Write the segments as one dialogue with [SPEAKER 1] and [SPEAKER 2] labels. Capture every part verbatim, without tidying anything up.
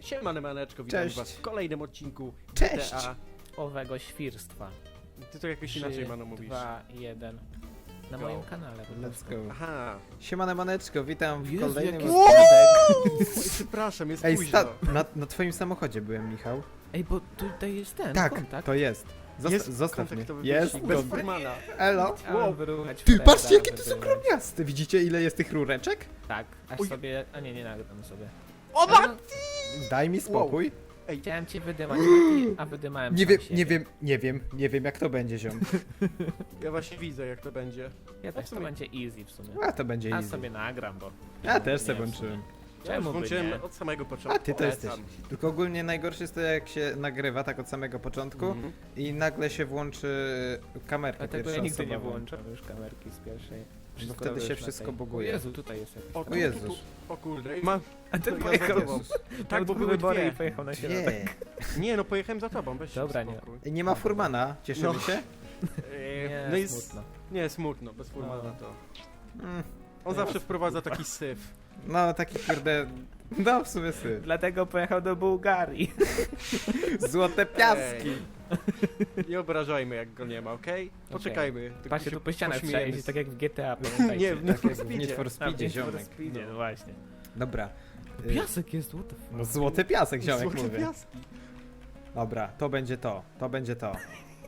[SPEAKER 1] Siemane maneczko, witam
[SPEAKER 2] Cześć.
[SPEAKER 1] was w kolejnym odcinku
[SPEAKER 2] Cześć.
[SPEAKER 1] G T A.
[SPEAKER 3] Owego świrstwa.
[SPEAKER 1] Ty to jakoś inaczej, mano, mówisz.
[SPEAKER 3] dwa, jeden. Na
[SPEAKER 1] Go.
[SPEAKER 3] moim kanale po
[SPEAKER 2] Let's
[SPEAKER 3] prostu.
[SPEAKER 2] go.
[SPEAKER 1] Aha.
[SPEAKER 2] Siemane maneczko, witam w
[SPEAKER 3] Jezu,
[SPEAKER 2] kolejnym...
[SPEAKER 3] jaki
[SPEAKER 2] od-
[SPEAKER 3] spadek.
[SPEAKER 1] Oj, przepraszam, jest
[SPEAKER 2] Ej,
[SPEAKER 1] późno.
[SPEAKER 2] sta- na, na twoim samochodzie byłem, Michał.
[SPEAKER 3] Ej, bo tutaj jest ten
[SPEAKER 2] Tak,
[SPEAKER 3] kontakt.
[SPEAKER 2] to jest. Zosta
[SPEAKER 1] Jest
[SPEAKER 2] zostaw mnie.
[SPEAKER 1] kontaktowy
[SPEAKER 2] Jest.
[SPEAKER 1] wyścig, bez
[SPEAKER 2] dobra.
[SPEAKER 1] Furmana.
[SPEAKER 2] Elo.
[SPEAKER 3] Chciałem
[SPEAKER 1] Wow.
[SPEAKER 3] wyruchać
[SPEAKER 2] Ty,
[SPEAKER 3] Freda,
[SPEAKER 2] patrzcie jakie to są
[SPEAKER 3] wybrać.
[SPEAKER 2] gromniaste. Widzicie ile jest tych rureczek?
[SPEAKER 3] Tak, aż
[SPEAKER 1] Uj.
[SPEAKER 3] sobie... A nie, nie nagram sobie.
[SPEAKER 1] O,
[SPEAKER 3] Ale no,
[SPEAKER 2] Daj mi spokój.
[SPEAKER 1] Ej,
[SPEAKER 3] chciałem cię wydymać, Mati, a wydymałem
[SPEAKER 2] Nie
[SPEAKER 3] sam
[SPEAKER 2] wiem,
[SPEAKER 3] siebie.
[SPEAKER 2] nie wiem, nie wiem, nie wiem jak to będzie, ziom.
[SPEAKER 1] ja właśnie widzę, jak to będzie.
[SPEAKER 3] Ja też
[SPEAKER 1] w
[SPEAKER 3] to
[SPEAKER 1] sumie-
[SPEAKER 3] będzie easy w sumie.
[SPEAKER 2] A to będzie
[SPEAKER 3] A
[SPEAKER 2] easy.
[SPEAKER 3] sobie nagram, bo...
[SPEAKER 2] Ja też
[SPEAKER 3] Nie,
[SPEAKER 2] sobie
[SPEAKER 3] w
[SPEAKER 2] włączyłem.
[SPEAKER 1] Ja już
[SPEAKER 3] Czemu by
[SPEAKER 1] włączyłem
[SPEAKER 3] nie?
[SPEAKER 1] od samego początku.
[SPEAKER 2] A ty to
[SPEAKER 1] Polecam.
[SPEAKER 2] jesteś. Tylko ogólnie najgorsze jest to jak się nagrywa tak od samego początku
[SPEAKER 1] Mhm.
[SPEAKER 2] i nagle się włączy kamerka
[SPEAKER 3] Dlatego ja nigdy nie
[SPEAKER 2] pierwszoosobowa.
[SPEAKER 3] włączam już kamerki z pierwszej.
[SPEAKER 2] No
[SPEAKER 3] Wszystko
[SPEAKER 2] wtedy się
[SPEAKER 3] już na
[SPEAKER 2] wszystko
[SPEAKER 3] tej-
[SPEAKER 2] buguje.
[SPEAKER 3] O Jezu, tutaj jest jakiś...
[SPEAKER 1] O,
[SPEAKER 3] tam-
[SPEAKER 2] O Jezus.
[SPEAKER 1] O kurde. Ej, ma...
[SPEAKER 3] A ten
[SPEAKER 1] to ja
[SPEAKER 3] pojechał...
[SPEAKER 1] za tobą.
[SPEAKER 3] Tak,
[SPEAKER 1] Tak,
[SPEAKER 3] bo
[SPEAKER 1] bo
[SPEAKER 3] były
[SPEAKER 1] były
[SPEAKER 3] wybory
[SPEAKER 1] dwie.
[SPEAKER 3] i pojechał na środek.
[SPEAKER 2] Nie.
[SPEAKER 1] Nie, no pojechałem za tobą, weź się
[SPEAKER 3] Dobra, nie.
[SPEAKER 1] spokój.
[SPEAKER 2] Nie ma Furmana, cieszymy
[SPEAKER 1] No.
[SPEAKER 2] się?
[SPEAKER 1] Eee,
[SPEAKER 3] Nie,
[SPEAKER 1] no jest...
[SPEAKER 3] smutno.
[SPEAKER 1] Nie, smutno, bez Furmana
[SPEAKER 3] No.
[SPEAKER 1] to...
[SPEAKER 2] Mm,
[SPEAKER 1] On zawsze wprowadza taki syf.
[SPEAKER 2] no taki kurde... No w sumie sy.
[SPEAKER 3] Dlatego pojechał do Bułgarii.
[SPEAKER 2] Złote piaski.
[SPEAKER 1] Nie obrażajmy, jak go nie ma, okej? Poczekajmy. tylko
[SPEAKER 3] Patrzcie,
[SPEAKER 1] się
[SPEAKER 3] tu po ścianach
[SPEAKER 1] pośmiejemy.
[SPEAKER 3] przejść, tak jak w G T A, pamiętajcie.
[SPEAKER 1] Nie, w Need
[SPEAKER 2] Tak
[SPEAKER 1] for
[SPEAKER 2] jak w
[SPEAKER 1] Speedzie.
[SPEAKER 2] Need for
[SPEAKER 3] A,
[SPEAKER 2] Speedzie,
[SPEAKER 3] Need for
[SPEAKER 2] ziomek.
[SPEAKER 3] Speedzie, no właśnie.
[SPEAKER 2] Dobra. Y,
[SPEAKER 3] Piasek jest, what the fuck?
[SPEAKER 2] No złote piasek, ziomek
[SPEAKER 1] Złote
[SPEAKER 2] mówię.
[SPEAKER 1] piaski.
[SPEAKER 2] Dobra, to będzie to. To będzie to.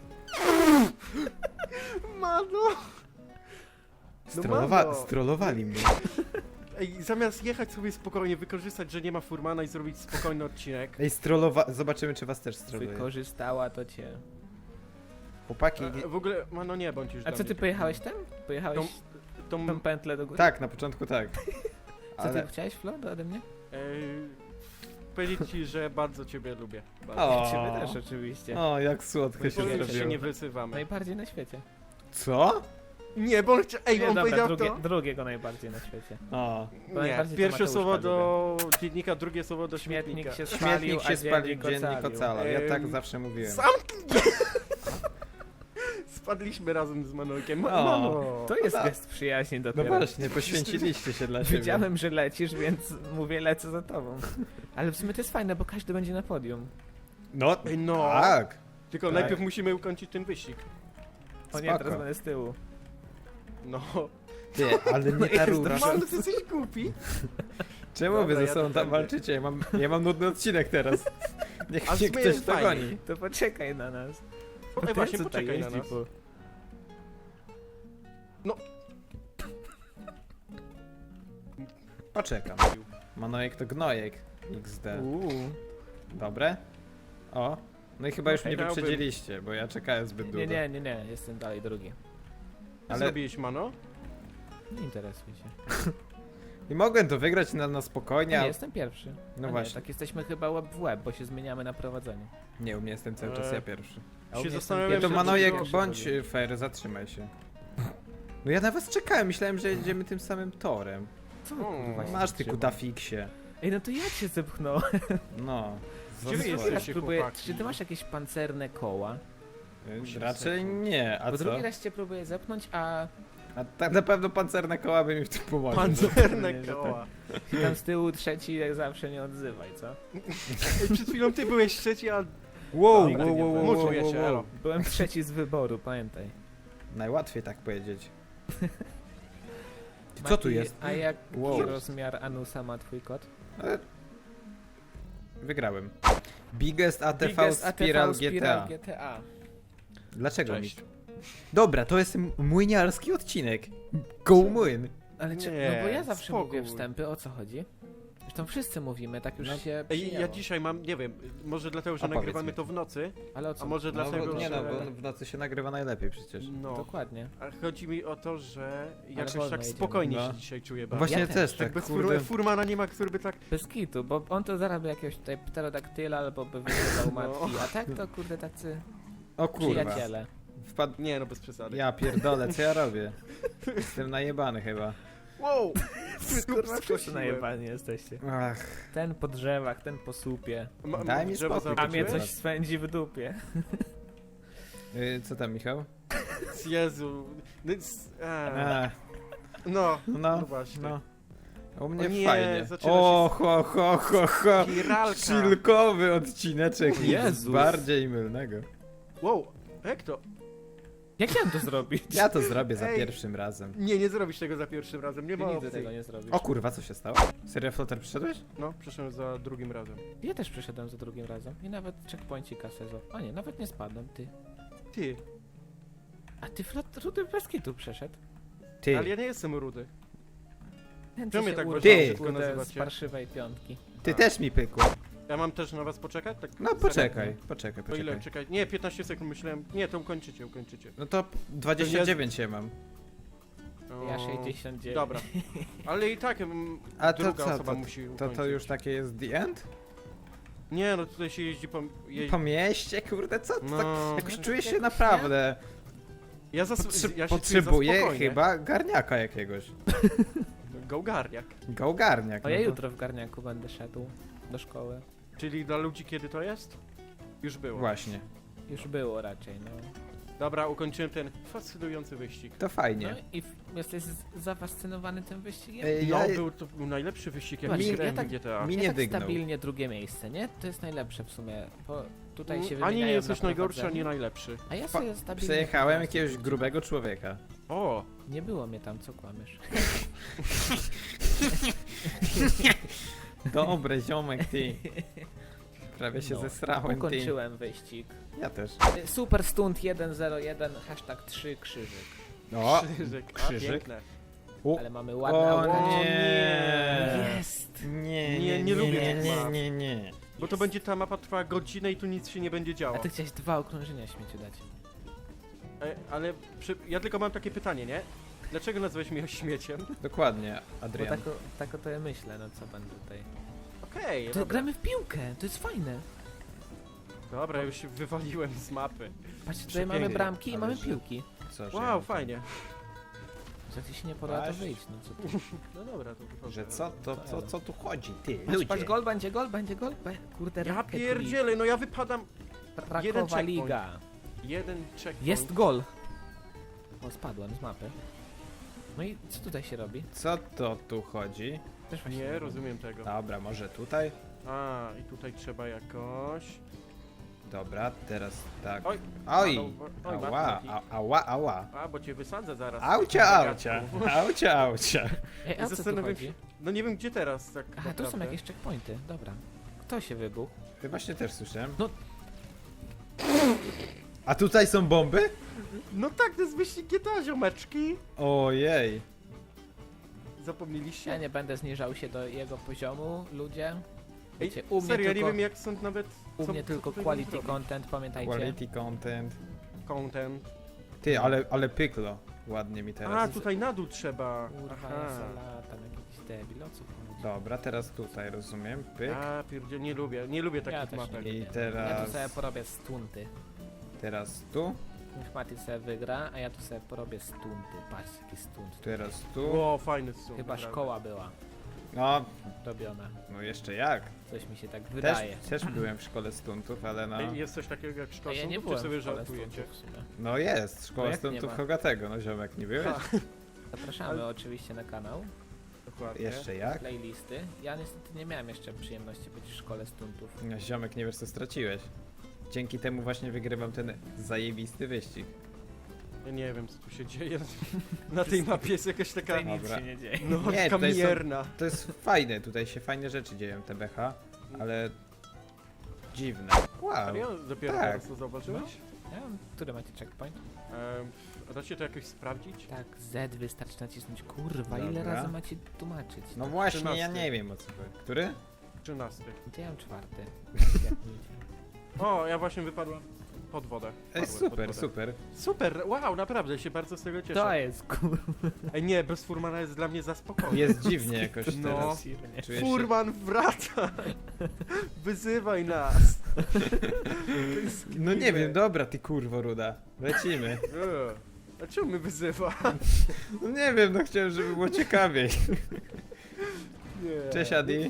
[SPEAKER 1] Mano!
[SPEAKER 2] Strolowa
[SPEAKER 1] mamo.
[SPEAKER 2] strollowali mnie.
[SPEAKER 1] Ej, zamiast jechać sobie spokojnie, wykorzystać, że nie ma Furmana i zrobić spokojny odcinek.
[SPEAKER 2] Ej, strollowa... Zobaczymy, czy was też strolluje.
[SPEAKER 3] Wykorzystała to cię.
[SPEAKER 2] Chłopaki...
[SPEAKER 1] E, w ogóle, Mano, nie bądź już
[SPEAKER 3] A
[SPEAKER 1] dla
[SPEAKER 3] co
[SPEAKER 1] mnie
[SPEAKER 3] ty
[SPEAKER 1] taki-
[SPEAKER 3] pojechałeś tam? Pojechałeś
[SPEAKER 1] Tą...
[SPEAKER 3] tą pętlę do góry?
[SPEAKER 2] Tak, na początku tak.
[SPEAKER 3] Co
[SPEAKER 2] Ale...
[SPEAKER 3] ty chciałeś, Flo, ode mnie?
[SPEAKER 1] E, powiedzieć ci, że bardzo ciebie lubię. Bardzo.
[SPEAKER 2] O.
[SPEAKER 3] Ciebie też oczywiście.
[SPEAKER 2] O, jak słodko się
[SPEAKER 1] Powiem, że się
[SPEAKER 2] zrobiło.
[SPEAKER 1] nie wyzywamy.
[SPEAKER 3] Najbardziej na świecie.
[SPEAKER 2] Co?
[SPEAKER 1] Nie, bo on chcia... Ej,
[SPEAKER 3] Nie,
[SPEAKER 1] on
[SPEAKER 3] dobra,
[SPEAKER 1] powiedział
[SPEAKER 3] drugie,
[SPEAKER 1] to...
[SPEAKER 3] drugiego najbardziej na świecie.
[SPEAKER 2] O.
[SPEAKER 3] Bo
[SPEAKER 1] Nie,
[SPEAKER 3] najbardziej to
[SPEAKER 1] pierwsze
[SPEAKER 3] Mateuszka
[SPEAKER 1] słowo
[SPEAKER 3] lubię.
[SPEAKER 1] do dziennika, drugie słowo do śmietnika.
[SPEAKER 3] Śmietnik się spalił,
[SPEAKER 2] Śmietnik
[SPEAKER 3] a
[SPEAKER 2] się spalił,
[SPEAKER 3] dziennik
[SPEAKER 2] dziennik
[SPEAKER 3] ocalił.
[SPEAKER 2] ocalał. Ja tak
[SPEAKER 1] Em,
[SPEAKER 2] zawsze mówiłem.
[SPEAKER 1] Sam... Spadliśmy razem z Manojkiem. Ma-
[SPEAKER 2] O.
[SPEAKER 1] Mano!
[SPEAKER 3] To jest
[SPEAKER 2] No
[SPEAKER 3] gest przyjaźni
[SPEAKER 2] No
[SPEAKER 3] dopiero.
[SPEAKER 2] właśnie, poświęciliście się dla siebie.
[SPEAKER 3] Wiedziałem, że lecisz, więc mówię, lecę za tobą. Ale w sumie to jest fajne, bo każdy będzie na podium.
[SPEAKER 2] No,
[SPEAKER 1] Ej, no.
[SPEAKER 2] tak.
[SPEAKER 1] Tylko
[SPEAKER 2] Tak.
[SPEAKER 1] najpierw musimy ukończyć ten wyścig.
[SPEAKER 3] O nie,
[SPEAKER 2] Spoko.
[SPEAKER 3] teraz będę z tyłu.
[SPEAKER 1] No.
[SPEAKER 2] Ty, ale nie ta
[SPEAKER 3] jest
[SPEAKER 2] rura.
[SPEAKER 1] Mano, ty jesteś głupi.
[SPEAKER 2] Czemu
[SPEAKER 1] Dobra,
[SPEAKER 2] wy ze
[SPEAKER 1] ja
[SPEAKER 2] sobą
[SPEAKER 1] tu
[SPEAKER 2] tam
[SPEAKER 1] będę.
[SPEAKER 2] walczycie? Ja mam, ja mam nudny odcinek teraz. Niech
[SPEAKER 1] A w
[SPEAKER 2] mnie
[SPEAKER 1] sumie
[SPEAKER 2] ktoś
[SPEAKER 1] jest
[SPEAKER 2] dogoni.
[SPEAKER 1] fajnie.
[SPEAKER 3] To poczekaj na nas.
[SPEAKER 1] Ej,
[SPEAKER 3] Ten
[SPEAKER 1] właśnie,
[SPEAKER 3] tutaj
[SPEAKER 1] poczekaj na
[SPEAKER 3] jeździ
[SPEAKER 1] nas.
[SPEAKER 3] po-
[SPEAKER 2] Poczekam. Manojek to gnojek. X D.
[SPEAKER 3] Uuu.
[SPEAKER 2] Dobre? O. No i chyba już
[SPEAKER 3] Okej,
[SPEAKER 2] mnie
[SPEAKER 1] dałbym.
[SPEAKER 2] wyprzedziliście, bo ja czekałem zbyt długo.
[SPEAKER 3] Nie, nie, nie, nie, jestem dalej drugi.
[SPEAKER 1] Co
[SPEAKER 2] Ale-
[SPEAKER 1] zrobiłeś, Mano?
[SPEAKER 3] Nie interesuj się.
[SPEAKER 2] I mogłem to wygrać na, na spokojnie,
[SPEAKER 3] Nie,
[SPEAKER 2] a...
[SPEAKER 3] jestem pierwszy. A
[SPEAKER 2] No
[SPEAKER 3] nie,
[SPEAKER 2] właśnie.
[SPEAKER 3] tak jesteśmy chyba łeb w łeb, bo się zmieniamy na prowadzeniu.
[SPEAKER 2] Nie, u mnie jestem cały czas
[SPEAKER 1] Eee.
[SPEAKER 2] ja pierwszy.
[SPEAKER 3] A u
[SPEAKER 1] Się
[SPEAKER 3] mnie
[SPEAKER 1] zastanawiam,
[SPEAKER 3] jestem
[SPEAKER 2] Ja to
[SPEAKER 1] że
[SPEAKER 3] pierwszy,
[SPEAKER 2] Manojek,
[SPEAKER 3] drugi,
[SPEAKER 2] bądź
[SPEAKER 3] drugi.
[SPEAKER 2] y, fair, zatrzymaj się. No ja na was czekałem, myślałem, że jedziemy tym samym torem.
[SPEAKER 3] Co wy,
[SPEAKER 1] O,
[SPEAKER 3] kurwa, się
[SPEAKER 2] Masz ty
[SPEAKER 3] trzyma?
[SPEAKER 2] kudafiksie.
[SPEAKER 3] Ej, no to ja cię zepchnąłem.
[SPEAKER 2] No.
[SPEAKER 1] Gdzie wy
[SPEAKER 2] Zasłuchaj.
[SPEAKER 1] jesteście?
[SPEAKER 3] Raz próbuję,
[SPEAKER 1] chłopaki?
[SPEAKER 3] czy ty masz jakieś pancerne koła?
[SPEAKER 2] Y, Raczej nie, a
[SPEAKER 3] Bo
[SPEAKER 2] co?
[SPEAKER 3] drugi raz cię próbuję zepchnąć, a
[SPEAKER 2] A tak na pewno pancerne koła by mi w tym pomogły.
[SPEAKER 1] Pancerne
[SPEAKER 3] Nie, że
[SPEAKER 1] koła.
[SPEAKER 3] tam z tyłu trzeci jak zawsze nie odzywaj, co?
[SPEAKER 1] Ej, przed chwilą ty byłeś trzeci, a...
[SPEAKER 2] Wow,
[SPEAKER 3] Nigdy
[SPEAKER 2] wow,
[SPEAKER 3] nie
[SPEAKER 2] wow, wow,
[SPEAKER 3] było.
[SPEAKER 2] wow,
[SPEAKER 1] Muczuję
[SPEAKER 2] wow,
[SPEAKER 1] się,
[SPEAKER 2] wow.
[SPEAKER 1] elo.
[SPEAKER 3] Byłem trzeci z wyboru, pamiętaj.
[SPEAKER 2] Najłatwiej tak powiedzieć. Co
[SPEAKER 3] Mati,
[SPEAKER 2] tu jest?
[SPEAKER 3] A jak
[SPEAKER 2] Wow.
[SPEAKER 3] rozmiar anusa ma twój kot?
[SPEAKER 2] E, Wygrałem. Biggest A T V
[SPEAKER 3] Biggest A T V
[SPEAKER 2] Spiral G T A.
[SPEAKER 3] G T A.
[SPEAKER 2] Dlaczego mi?
[SPEAKER 1] Cześć.
[SPEAKER 2] Dobra, to jest m- młyniarski odcinek. Go młyn.
[SPEAKER 3] Ale czy,
[SPEAKER 1] Nie,
[SPEAKER 3] no bo ja zawsze
[SPEAKER 1] spokój.
[SPEAKER 3] mówię wstępy, o co chodzi? Zresztą wszyscy mówimy, tak już
[SPEAKER 2] No.
[SPEAKER 3] się
[SPEAKER 1] Ej, ja
[SPEAKER 3] przyjęło.
[SPEAKER 1] dzisiaj mam, nie wiem, może dlatego, że
[SPEAKER 2] A powiedz
[SPEAKER 1] nagrywamy
[SPEAKER 2] mi.
[SPEAKER 1] to w nocy,
[SPEAKER 3] Ale o co?
[SPEAKER 1] a może
[SPEAKER 2] No,
[SPEAKER 1] dlatego,
[SPEAKER 2] bo, nie
[SPEAKER 1] że...
[SPEAKER 2] no, bo w nocy się nagrywa najlepiej przecież.
[SPEAKER 1] No,
[SPEAKER 3] Dokładnie.
[SPEAKER 1] a chodzi mi o to, że jakoś
[SPEAKER 3] wolno
[SPEAKER 1] tak
[SPEAKER 3] jedziemy.
[SPEAKER 1] spokojnie
[SPEAKER 2] No.
[SPEAKER 1] się dzisiaj czuję
[SPEAKER 2] No
[SPEAKER 1] bardzo.
[SPEAKER 2] właśnie
[SPEAKER 3] Ja
[SPEAKER 2] też,
[SPEAKER 3] też,
[SPEAKER 1] Tak
[SPEAKER 2] tak
[SPEAKER 1] bez
[SPEAKER 2] kurde.
[SPEAKER 1] fur, Furmana nie ma, który by tak...
[SPEAKER 3] Bez kitu, bo on to zaraz by jakiegoś tutaj pterodaktyla albo by wyzywał
[SPEAKER 1] No.
[SPEAKER 3] matki, a tak to kurde tacy
[SPEAKER 2] O kurwa.
[SPEAKER 3] przyjaciele.
[SPEAKER 2] Wpadł...
[SPEAKER 1] Nie no, bez przesady.
[SPEAKER 2] Ja pierdolę, co ja robię? Jestem najebany chyba.
[SPEAKER 1] Wow!
[SPEAKER 3] Kurwa, wszyscy
[SPEAKER 1] Skosiłem.
[SPEAKER 3] najebani jesteście.
[SPEAKER 2] Ach,
[SPEAKER 3] Ten po drzewach, ten po słupie,
[SPEAKER 1] Ma-
[SPEAKER 2] Daj
[SPEAKER 1] ma
[SPEAKER 2] mi
[SPEAKER 1] drzewo
[SPEAKER 2] spokój,
[SPEAKER 3] a mnie
[SPEAKER 1] zobaczyłeś?
[SPEAKER 3] coś swędzi w dupie.
[SPEAKER 2] y, co tam Michał?
[SPEAKER 1] Jezu. No, s- a,
[SPEAKER 2] A,
[SPEAKER 1] no,
[SPEAKER 2] no,
[SPEAKER 1] no właśnie.
[SPEAKER 2] no. U mnie
[SPEAKER 1] O nie,
[SPEAKER 2] fajnie.
[SPEAKER 1] zaczyna
[SPEAKER 2] O,
[SPEAKER 1] się
[SPEAKER 2] ho, ho, ho, ho.
[SPEAKER 1] Spiralka.
[SPEAKER 2] Chillkowy odcineczek. Nic
[SPEAKER 3] Jezus.
[SPEAKER 2] bardziej mylnego.
[SPEAKER 1] Wow, jak to?
[SPEAKER 3] Jak chciałem to zrobić?
[SPEAKER 2] Ja to zrobię za
[SPEAKER 1] Ej.
[SPEAKER 2] pierwszym razem.
[SPEAKER 1] Nie, nie zrobisz tego za pierwszym razem, nie
[SPEAKER 3] Ty
[SPEAKER 1] ma
[SPEAKER 3] nigdy
[SPEAKER 1] opcji.
[SPEAKER 3] tego nie zrobisz.
[SPEAKER 2] O kurwa, co się stało? Serio, Flotter, przyszedłeś?
[SPEAKER 1] No, przeszedłem za drugim razem.
[SPEAKER 3] Ja też przeszedłem za drugim razem. I nawet checkpoincika sezo. A nie, nawet nie spadłem, ty.
[SPEAKER 1] Ty,
[SPEAKER 3] A ty flot rudy bez kitu przeszedł.
[SPEAKER 2] Ty,
[SPEAKER 1] ale ja nie jestem rudy.
[SPEAKER 3] Ten,
[SPEAKER 1] Czemu
[SPEAKER 3] co
[SPEAKER 1] mnie
[SPEAKER 3] się
[SPEAKER 1] tak
[SPEAKER 3] urwał,
[SPEAKER 2] Ty.
[SPEAKER 3] kurde, z
[SPEAKER 1] nazywacie?
[SPEAKER 3] parszywej piątki.
[SPEAKER 2] ty też mi pykło.
[SPEAKER 1] Ja mam też na was poczekać? Tak
[SPEAKER 2] No
[SPEAKER 1] serio?
[SPEAKER 2] poczekaj, poczekaj,
[SPEAKER 1] To ile?
[SPEAKER 2] poczekaj.
[SPEAKER 1] Czekaj. Nie, piętnaście sekund myślałem. Nie, to ukończycie, ukończycie.
[SPEAKER 2] No to dwadzieścia dziewięć ja mam.
[SPEAKER 1] O,
[SPEAKER 3] Ja sześćdziesiąt dziewięć.
[SPEAKER 1] Dobra. Ale i tak mm,
[SPEAKER 2] A to
[SPEAKER 1] druga
[SPEAKER 2] co,
[SPEAKER 1] osoba
[SPEAKER 2] to,
[SPEAKER 1] musi
[SPEAKER 2] to,
[SPEAKER 1] ukończyć.
[SPEAKER 2] to już takie jest the end?
[SPEAKER 1] Nie, no tutaj się jeździ po... Jeździ...
[SPEAKER 2] Po mieście, kurde, co? To
[SPEAKER 1] No.
[SPEAKER 2] tak, jakoś
[SPEAKER 3] No,
[SPEAKER 2] czuję
[SPEAKER 3] tak
[SPEAKER 2] się
[SPEAKER 3] jak
[SPEAKER 2] naprawdę.
[SPEAKER 1] Ja, zas...
[SPEAKER 2] Potrze
[SPEAKER 1] ja się
[SPEAKER 2] potrzebuję
[SPEAKER 1] czuję za spokojnie.
[SPEAKER 2] chyba garniaka jakiegoś.
[SPEAKER 1] Gołgarniak.
[SPEAKER 2] Gałgarniak.
[SPEAKER 3] O, ja
[SPEAKER 2] no to-
[SPEAKER 3] jutro w garniaku będę szedł do szkoły.
[SPEAKER 1] Czyli dla ludzi kiedy to jest? Już było.
[SPEAKER 2] Właśnie,
[SPEAKER 3] Już było raczej, no.
[SPEAKER 1] Dobra, ukończyłem ten fascynujący wyścig.
[SPEAKER 2] to fajnie.
[SPEAKER 3] No i w- jesteś z- zafascynowany tym wyścigiem?
[SPEAKER 2] Ej,
[SPEAKER 1] No,
[SPEAKER 2] ja-
[SPEAKER 1] był to był najlepszy wyścig, jaki
[SPEAKER 3] Właśnie,
[SPEAKER 1] grałem
[SPEAKER 3] ja tak-
[SPEAKER 1] w G T A.
[SPEAKER 2] mi
[SPEAKER 3] Ja
[SPEAKER 2] nie
[SPEAKER 3] tak
[SPEAKER 2] dygnął.
[SPEAKER 3] stabilnie drugie miejsce, nie? To jest najlepsze w sumie, bo tutaj się
[SPEAKER 1] Mm, Ani nie
[SPEAKER 3] wymieniają
[SPEAKER 1] jesteś
[SPEAKER 3] na
[SPEAKER 1] najgorszy, ani
[SPEAKER 3] prowadzeniu.
[SPEAKER 1] najlepszy.
[SPEAKER 3] A ja
[SPEAKER 2] Pa-
[SPEAKER 3] sobie stabilnie...
[SPEAKER 2] Przejechałem
[SPEAKER 3] po prostu
[SPEAKER 2] jakiegoś
[SPEAKER 3] jeździłem.
[SPEAKER 2] grubego człowieka.
[SPEAKER 1] O!
[SPEAKER 3] Nie było mnie tam, co kłamiesz.
[SPEAKER 2] Dobre, ziomek, ty. Prawie się
[SPEAKER 3] No,
[SPEAKER 2] zesrałem, ty.
[SPEAKER 3] Ukończyłem wyścig.
[SPEAKER 2] Ja też.
[SPEAKER 3] Super stunt jeden zero jeden, hashtag trzy krzyżyk.
[SPEAKER 2] O,
[SPEAKER 1] Krzyżyk, a,
[SPEAKER 2] krzyżyk.
[SPEAKER 1] piękne.
[SPEAKER 2] U.
[SPEAKER 3] Ale mamy ładne
[SPEAKER 2] O
[SPEAKER 3] auto.
[SPEAKER 2] nie.
[SPEAKER 3] Jest!
[SPEAKER 2] Nie,
[SPEAKER 1] Nie, nie lubię
[SPEAKER 2] nie,
[SPEAKER 1] tych
[SPEAKER 2] nie,
[SPEAKER 1] map.
[SPEAKER 2] nie, nie.
[SPEAKER 1] Bo to będzie ta mapa trwała godzinę i tu nic się nie będzie
[SPEAKER 3] A
[SPEAKER 1] działo.
[SPEAKER 3] ty chciałeś dwa okrążenia śmieciu dać.
[SPEAKER 1] E, ale przy... ja tylko mam takie pytanie, nie? Dlaczego nazwałeś mnie śmieciem?
[SPEAKER 2] Dokładnie,
[SPEAKER 3] Bo
[SPEAKER 2] Adrian.
[SPEAKER 3] tak, o- tak o to ja myślę, no co będę tutaj.
[SPEAKER 1] Okej,
[SPEAKER 3] To
[SPEAKER 1] dobra.
[SPEAKER 3] gramy w piłkę, to jest fajne.
[SPEAKER 1] Dobra, już się wywaliłem z mapy.
[SPEAKER 3] Patrzcie, tutaj mamy
[SPEAKER 1] Przepięknie,
[SPEAKER 3] bramki i
[SPEAKER 2] ale
[SPEAKER 3] mamy
[SPEAKER 2] że-
[SPEAKER 3] piłki.
[SPEAKER 2] Co, że
[SPEAKER 1] Wow,
[SPEAKER 2] ja-
[SPEAKER 1] fajnie.
[SPEAKER 3] Jak ci się nie podoba, to
[SPEAKER 2] Patrz.
[SPEAKER 3] wyjdź, no co ty.
[SPEAKER 1] No dobra, to wychodzę.
[SPEAKER 2] Że co, to co, co tu chodzi, ty?
[SPEAKER 3] Patrz, patrz, gol będzie, gol będzie, gol. Be- Kurde,
[SPEAKER 1] Ja
[SPEAKER 3] Rocket
[SPEAKER 1] pierdzielę, no ja wypadam.
[SPEAKER 3] League.
[SPEAKER 1] jeden
[SPEAKER 3] Rakowa
[SPEAKER 1] checkpoint.
[SPEAKER 3] Liga.
[SPEAKER 1] Jeden checkpoint.
[SPEAKER 3] Jest gol. O, spadłem z mapy. No i co tutaj się robi?
[SPEAKER 2] Co to tu chodzi?
[SPEAKER 3] Też właśnie
[SPEAKER 1] Nie
[SPEAKER 3] wiem.
[SPEAKER 1] rozumiem tego.
[SPEAKER 2] Dobra, może tutaj?
[SPEAKER 1] A, i tutaj trzeba jakoś...
[SPEAKER 2] Dobra, teraz tak.
[SPEAKER 1] Oj!
[SPEAKER 2] Oj!
[SPEAKER 1] Oj,
[SPEAKER 2] Ała,
[SPEAKER 1] Martin,
[SPEAKER 2] a, ała, ała.
[SPEAKER 1] A, bo cię wysadzę zaraz.
[SPEAKER 2] Aucia,
[SPEAKER 1] Na
[SPEAKER 2] aucia,
[SPEAKER 1] gagatku.
[SPEAKER 2] aucia, aucia.
[SPEAKER 3] Ej, a co tu
[SPEAKER 1] Zastanawiam
[SPEAKER 3] chodzi?
[SPEAKER 1] się... No nie wiem gdzie teraz, tak
[SPEAKER 3] Aha, tu są
[SPEAKER 1] naprawdę.
[SPEAKER 3] jakieś checkpointy, dobra. Kto się wybuchł?
[SPEAKER 2] Ty właśnie też słyszałem.
[SPEAKER 3] No.
[SPEAKER 2] A tutaj są bomby?
[SPEAKER 1] No tak, to jest wyścig G T A, ziomeczki.
[SPEAKER 2] Ojej.
[SPEAKER 1] Zapomnieliście?
[SPEAKER 3] Ja nie będę zniżał się do jego poziomu, ludzie.
[SPEAKER 1] Ej,
[SPEAKER 3] Wiecie, u mnie
[SPEAKER 1] serio, ja
[SPEAKER 3] tylko,
[SPEAKER 1] nie wiem jak są nawet...
[SPEAKER 3] u
[SPEAKER 1] co-
[SPEAKER 3] mnie
[SPEAKER 1] co
[SPEAKER 3] tylko
[SPEAKER 1] tutaj
[SPEAKER 3] quality
[SPEAKER 1] zrobić.
[SPEAKER 3] content, pamiętajcie.
[SPEAKER 2] Quality content.
[SPEAKER 1] Content.
[SPEAKER 2] Ty, ale, ale pyklo. Ładnie mi
[SPEAKER 1] A,
[SPEAKER 2] teraz.
[SPEAKER 1] tutaj na dół trzeba.
[SPEAKER 3] Kurwa,
[SPEAKER 1] Aha.
[SPEAKER 3] ja sala, tam jakiś debil, o co chodzi?
[SPEAKER 2] Dobra, teraz tutaj, rozumiem. Pyk.
[SPEAKER 1] A, pierdzie, nie lubię, nie lubię takich
[SPEAKER 3] Ja też
[SPEAKER 1] mapek.
[SPEAKER 3] nie
[SPEAKER 2] I
[SPEAKER 3] lubię.
[SPEAKER 2] teraz-
[SPEAKER 3] Ja tu sobie porobię stunty.
[SPEAKER 2] Teraz tu.
[SPEAKER 3] Niech Mati sobie wygra, a ja tu sobie porobię stunty. Patrz, jaki stunt.
[SPEAKER 2] Teraz tu.
[SPEAKER 1] Ło, fajny są.
[SPEAKER 3] Chyba szkoła była
[SPEAKER 2] No,
[SPEAKER 3] robiona.
[SPEAKER 2] no jeszcze jak.
[SPEAKER 3] Coś mi się tak
[SPEAKER 2] Też,
[SPEAKER 3] wydaje.
[SPEAKER 2] też byłem w szkole stuntów, ale no.
[SPEAKER 1] Jest coś takiego jak
[SPEAKER 3] A
[SPEAKER 1] szkoła
[SPEAKER 3] ja nie
[SPEAKER 1] sądów,
[SPEAKER 3] byłem
[SPEAKER 1] czy sobie
[SPEAKER 3] w szkole
[SPEAKER 1] żartujecie?
[SPEAKER 3] stuntów w sumie.
[SPEAKER 2] No jest,
[SPEAKER 3] No
[SPEAKER 2] szkoła
[SPEAKER 3] jak nie
[SPEAKER 2] stuntów
[SPEAKER 3] ma?
[SPEAKER 2] Hogatego, no ziomek, nie byłeś?
[SPEAKER 1] Ha,
[SPEAKER 3] Zapraszamy
[SPEAKER 1] Ale-
[SPEAKER 3] oczywiście na kanał,
[SPEAKER 1] dokładnie.
[SPEAKER 2] Jeszcze jak?
[SPEAKER 3] playlisty. Ja niestety nie miałem jeszcze przyjemności być w szkole stuntów.
[SPEAKER 2] No, ziomek, nie wiesz co straciłeś. Dzięki temu właśnie wygrywam ten zajebisty wyścig.
[SPEAKER 1] Ja nie wiem co tu się dzieje. Na tej mapie jest jakaś taka...
[SPEAKER 3] Tutaj nic
[SPEAKER 2] Dobra.
[SPEAKER 3] się nie dzieje.
[SPEAKER 1] No,
[SPEAKER 2] Nie,
[SPEAKER 1] taka
[SPEAKER 2] tutaj są-
[SPEAKER 1] mierna.
[SPEAKER 2] To jest fajne, tutaj się fajne rzeczy dzieją, T B H, ale dziwne. Wow.
[SPEAKER 1] Serio? Dopiero
[SPEAKER 2] tak.
[SPEAKER 1] teraz to zauważyłeś?
[SPEAKER 3] Ja wiem, który macie checkpoint?
[SPEAKER 1] Em, a da się to jakoś sprawdzić?
[SPEAKER 3] Tak, Z wystarczy nacisnąć. Kurwa, ile
[SPEAKER 2] Dobra.
[SPEAKER 3] razy macie tłumaczyć?
[SPEAKER 2] No
[SPEAKER 3] To-
[SPEAKER 2] właśnie, ja
[SPEAKER 1] trzynasty.
[SPEAKER 2] nie wiem o co chodzi. Który?
[SPEAKER 1] Trzynasty.
[SPEAKER 3] To ja mam czwarty. Jak nic.
[SPEAKER 1] O, ja właśnie wypadłem pod wodę.
[SPEAKER 2] Ej,
[SPEAKER 1] Padłem pod
[SPEAKER 2] super,
[SPEAKER 1] wodę.
[SPEAKER 2] super.
[SPEAKER 1] Super, wow, naprawdę się bardzo z tego cieszę.
[SPEAKER 3] To jest kurwa.
[SPEAKER 1] Ej, nie, bez Furmana jest dla mnie za spokojnie.
[SPEAKER 2] Jest dziwnie jakoś
[SPEAKER 1] No.
[SPEAKER 2] teraz.
[SPEAKER 3] dziwnie.
[SPEAKER 2] Czuję się...
[SPEAKER 1] Furman, wraca! Wyzywaj nas!
[SPEAKER 2] No nie wiem, dobra ty kurwo ruda. Lecimy.
[SPEAKER 1] Eee, A czemu mnie wyzywa?
[SPEAKER 2] No nie wiem, no chciałem, żeby było ciekawiej.
[SPEAKER 1] Nie.
[SPEAKER 2] Cześć Adi.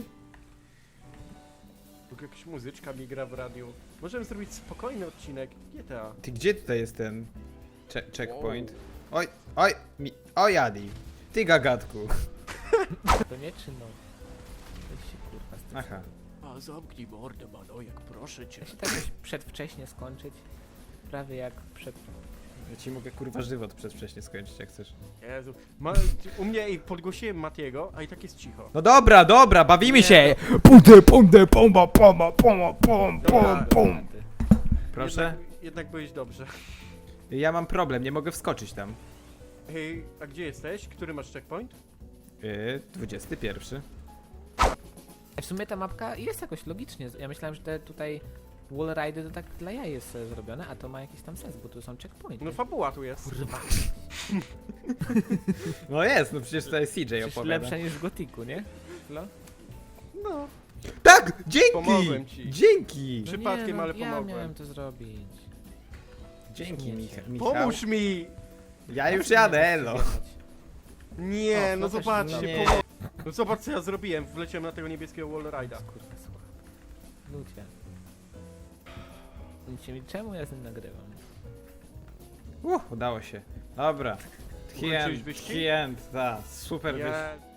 [SPEAKER 1] Tu jakaś muzyczka mi gra w radiu. Możemy zrobić spokojny odcinek G T A.
[SPEAKER 2] Ty gdzie tutaj jest ten che checkpoint? Oj, oj, mi, oj Adi. Ty gagatku.
[SPEAKER 3] To nie czy no? Weź się kurwa z tym.
[SPEAKER 2] Aha.
[SPEAKER 1] A zamknij mordę, Manojek, proszę cię.
[SPEAKER 3] Da się tak jakoś przedwcześnie skończyć. Prawie jak przed...
[SPEAKER 2] Ja ci mogę kurwa żywot przedwcześnie skończyć, jak chcesz.
[SPEAKER 1] Jezu. Ma, u mnie i podgłosiłem Matiego, a i tak jest cicho.
[SPEAKER 2] No dobra, dobra, bawimy
[SPEAKER 1] Nie.
[SPEAKER 2] się! Punde, punde, pomba, pomba, pomba, pom,
[SPEAKER 1] Dobra.
[SPEAKER 2] pom, pom. Proszę?
[SPEAKER 1] Jednak, jednak byłeś dobrze.
[SPEAKER 2] Ja mam problem, nie mogę wskoczyć tam.
[SPEAKER 1] Hej, a gdzie jesteś? Który masz checkpoint?
[SPEAKER 2] Yy, dwudziesty pierwszy.
[SPEAKER 3] W sumie ta mapka jest jakoś logicznie. Ja myślałem, że te tutaj wallridy to tak dla jaj jest e, zrobione, a to ma jakiś tam sens, bo tu są checkpointy.
[SPEAKER 1] No fabuła tu jest.
[SPEAKER 3] Kurwa,
[SPEAKER 2] No jest, no przecież tutaj C J
[SPEAKER 3] przecież
[SPEAKER 2] opowiada.
[SPEAKER 3] lepsza niż w Gotiku, nie? No.
[SPEAKER 1] No.
[SPEAKER 2] Tak! Dzięki!
[SPEAKER 1] Pomogłem ci.
[SPEAKER 2] Dzięki!
[SPEAKER 3] No
[SPEAKER 1] Przypadkiem,
[SPEAKER 3] nie, no,
[SPEAKER 1] ale
[SPEAKER 3] ja
[SPEAKER 1] pomogłem.
[SPEAKER 3] miałem to zrobić.
[SPEAKER 2] Dzięki,
[SPEAKER 3] Śmiecie.
[SPEAKER 2] Micha Michał.
[SPEAKER 1] Pomóż mi!
[SPEAKER 2] Ja już jadę, elo.
[SPEAKER 1] Nie,
[SPEAKER 3] O,
[SPEAKER 1] no
[SPEAKER 3] no też
[SPEAKER 1] zobaczcie,
[SPEAKER 2] nie.
[SPEAKER 1] pomog... No zobacz co ja zrobiłem, wleciałem na tego niebieskiego wallride'a.
[SPEAKER 3] Kurwa, słuchaj. Ludzie. Mówicie mi, czemu ja z nim nagrywam?
[SPEAKER 2] Uh, udało się. Dobra.
[SPEAKER 1] Ukończyłeś
[SPEAKER 2] Hien,
[SPEAKER 1] wyścig?
[SPEAKER 2] hien, ta, super wyścig.
[SPEAKER 1] Ja...